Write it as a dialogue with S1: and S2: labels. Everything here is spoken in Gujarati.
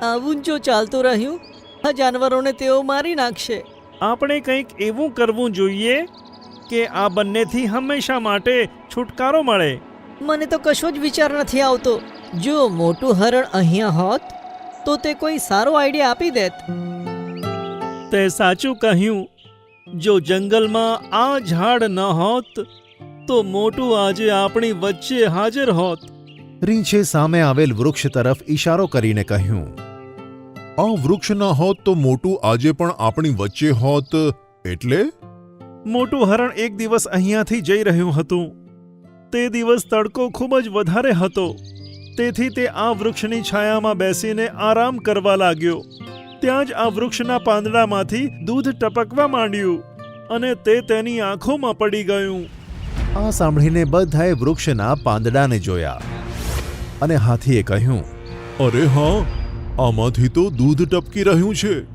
S1: આવું જો ચાલતું રહ્યું, આ જાનવરોને તેઓ મારી નાખશે.
S2: આપણે કંઈક એવું કરવું જોઈએ કે આ બંનેથી હંમેશા માટે છુટકારો મળે.
S1: મને તો કશો જ વિચાર નથી આવતો. જો મોટું હરણ અહીંયા હોત તો તે કોઈ સારો આઈડિયા આપી દેત.
S2: તે સાચું કહ્યું. જો જંગલમાં આ ઝાડ ન હોત તો મોટું આજે આપણી વચ્ચે હાજર હોત.
S3: રીંછે સામે આવેલ વૃક્ષ તરફ ઈશારો કરીને કહ્યું,
S4: આ વૃક્ષ ન હોત તો મોટું આજે પણ આપણી વચ્ચે હોત. એટલે
S2: મોટું હરણ એક દિવસ અહીંયાથી જઈ રહ્યું હતું. તે દિવસ તડકો ખૂબ જ વધારે હતો. તેથી તે આ વૃક્ષની છાયામાં બેસીને આરામ કરવા લાગ્યો. ત્યાં જ આ વૃક્ષના પાંદડામાંથી દૂધ ટપકવા માંડ્યું અને તે તેની આંખોમાં પડી ગયું.
S3: આ સાંભળીને બધાએ વૃક્ષના પાંદડાને જોયા અને હાથીએ કહ્યું,
S4: અરે હા, આમાંથી તો દૂધ ટપકી રહ્યું છે.